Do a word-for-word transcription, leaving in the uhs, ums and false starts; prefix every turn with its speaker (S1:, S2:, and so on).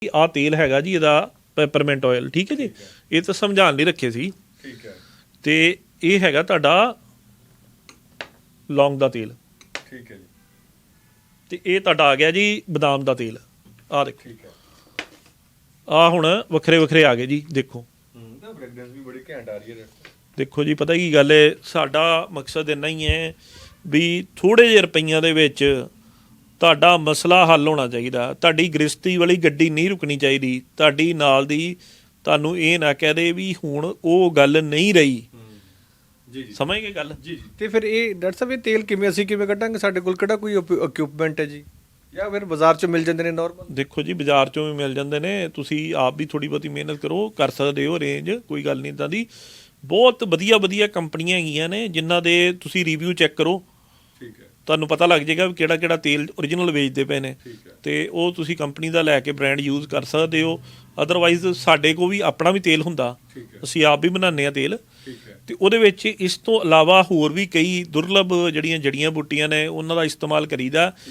S1: ਆ ਤੇਲ ਹੈਗਾ ਜੀ ਇਹਦਾ ਪੈਪਰਮੈਂਟ ਆਇਲ, ਠੀਕ ਹੈ ਜੀ। ਇਹ ਤਾਂ ਸਮਝਾਉਣ ਲਈ ਰੱਖੇ ਸੀ।
S2: ਠੀਕ ਹੈ।
S1: ਤੇ ਇਹ ਹੈਗਾ ਤੁਹਾਡਾ ਲੌਂਗ ਦਾ ਤੇਲ,
S2: ਠੀਕ ਹੈ ਜੀ।
S1: ਤੇ ਇਹ ਤੁਹਾਡਾ ਆ ਗਿਆ ਜੀ ਬਦਾਮ ਦਾ ਤੇਲ। ਆ ਦੇਖੋ,
S2: ਠੀਕ ਹੈ।
S1: ਆ ਹੁਣ ਵੱਖਰੇ ਵੱਖਰੇ ਆ ਗਏ ਜੀ। ਦੇਖੋ
S2: ਹੂੰ ਤਾਂ ਫ੍ਰੈਗਰੈਂਸ ਵੀ ਬੜੀ ਘੈਂਟ ਆ ਰਹੀ ਹੈ।
S1: ਦੇਖੋ ਜੀ, ਪਤਾ ਕੀ ਗੱਲ ਹੈ, ਸਾਡਾ ਮਕਸਦ ਇੰਨਾ ਹੀ ਹੈ ਵੀ ਥੋੜ੍ਹੇ ਜਿਹੇ ਰੁਪਈਆਂ ਦੇ ਵਿੱਚ ਤੁਹਾਡਾ ਮਸਲਾ ਹੱਲ ਹੋਣਾ ਚਾਹੀਦਾ। ਤੁਹਾਡੀ ਗ੍ਰਸਤੀ ਵਾਲੀ ਗੱਡੀ ਨਹੀਂ ਰੁਕਣੀ ਚਾਹੀਦੀ। ਤੁਹਾਡੀ ਨਾਲ ਦੀ ਤੁਹਾਨੂੰ ਇਹ ਨਾ ਕਹਿ ਦੇ ਵੀ ਹੁਣ ਉਹ ਗੱਲ ਨਹੀਂ ਰਹੀ।
S2: ਜੀ ਜੀ,
S1: ਸਮਝ ਗਏ ਗੱਲ?
S2: ਜੀ ਜੀ।
S3: ਤੇ ਫਿਰ ਇਹ ਡਾਕਟਰ ਸਾਹਿਬ ਇਹ ਤੇਲ ਕਿਵੇਂ ਅਸੀਂ ਕਿਵੇਂ ਕੱਢਾਂਗੇ? ਸਾਡੇ ਕੋਲ ਕਿਹੜਾ ਕੋਈ ਇਕਵਿਪਮੈਂਟ ਹੈ ਜੀ, ਜਾਂ ਫਿਰ ਬਾਜ਼ਾਰ 'ਚੋਂ ਮਿਲ ਜਾਂਦੇ ਨੇ ਨਾਰਮਲ?
S1: ਦੇਖੋ ਜੀ, ਬਾਜ਼ਾਰ 'ਚੋਂ ਵੀ ਮਿਲ ਜਾਂਦੇ ਨੇ। ਤੁਸੀਂ ਆਪ ਵੀ ਥੋੜ੍ਹੀ ਬਹੁਤੀ ਮਿਹਨਤ ਕਰੋ, ਕਰ ਸਕਦੇ ਹੋ ਰੇਂਜ, ਕੋਈ ਗੱਲ ਨਹੀਂ ਇੱਦਾਂ ਦੀ। ਬਹੁਤ ਵਧੀਆ ਵਧੀਆ ਕੰਪਨੀਆਂ ਹੈਗੀਆਂ ਨੇ ਜਿਨ੍ਹਾਂ ਦੇ ਤੁਸੀਂ ਰਿਵਿਊ ਚੈੱਕ ਕਰੋ,
S2: ਠੀਕ ਹੈ।
S1: ਤੁਹਾਨੂੰ ਪਤਾ ਲੱਗ ਜਾਏਗਾ ਵੀ ਕਿਹੜਾ ਕਿਹੜਾ ਤੇਲ ਓਰੀਜਨਲ ਵੇਚਦੇ ਪਏ ਨੇ।
S2: ਠੀਕ ਹੈ।
S1: ਤੇ ਉਹ ਤੁਸੀਂ ਕੰਪਨੀ ਦਾ ਲੈ ਕੇ ਬ੍ਰਾਂਡ ਯੂਜ਼ ਕਰ ਸਕਦੇ ਹੋ। ਅਦਰਵਾਈਜ਼ ਸਾਡੇ ਕੋਲ ਵੀ ਆਪਣਾ ਵੀ ਤੇਲ ਹੁੰਦਾ,
S2: ਠੀਕ ਹੈ।
S1: ਅਸੀਂ ਆਪ ਵੀ ਬਣਾਉਂਦੇ ਹਾਂ ਤੇਲ।
S2: ਠੀਕ ਹੈ।
S1: ਤੇ ਉਹਦੇ ਵਿੱਚ ਇਸ ਤੋਂ ਇਲਾਵਾ ਹੋਰ ਵੀ ਕਈ ਦੁਰਲਭ ਜਿਹੜੀਆਂ ਜੜੀਆਂ ਬੂਟੀਆਂ ਨੇ ਉਹਨਾਂ ਦਾ ਇਸਤੇਮਾਲ ਕਰੀਦਾ।